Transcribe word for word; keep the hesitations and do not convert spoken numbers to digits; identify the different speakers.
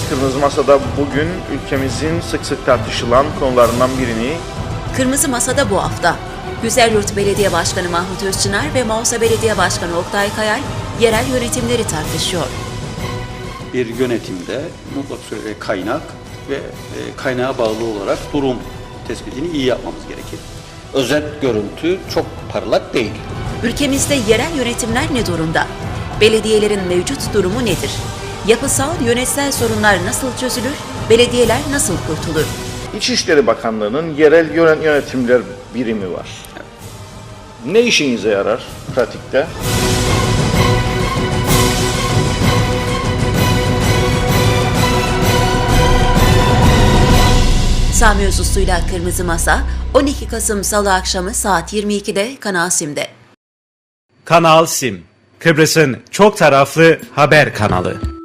Speaker 1: Kırmızı Masa'da bugün ülkemizin sık sık tartışılan konularından birini
Speaker 2: Kırmızı Masa'da bu hafta Güzelyurt Belediye Başkanı Mahmut Özçınar ve Mausa Belediye Başkanı Oktay Kayal yerel yönetimleri tartışıyor.
Speaker 3: Bir yönetimde mutlak surette kaynak ve e, kaynağa bağlı olarak durum tespitini iyi yapmamız gerekir.
Speaker 4: Özet görüntü çok parlak değil.
Speaker 2: Ülkemizde yerel yönetimler ne durumda? Belediyelerin mevcut durumu nedir? Yapısal, yönetsel sorunlar nasıl çözülür? Belediyeler nasıl kurtulur?
Speaker 1: İçişleri Bakanlığı'nın yerel yönet- yönetimler birimi var. Ne işinize yarar pratikte?
Speaker 2: Sami Özuslu'yla Kırmızı Masa on iki Kasım Salı akşamı saat yirmi ikide Kanal Sim'de.
Speaker 5: Kanal Sim, Kıbrıs'ın çok taraflı haber kanalı.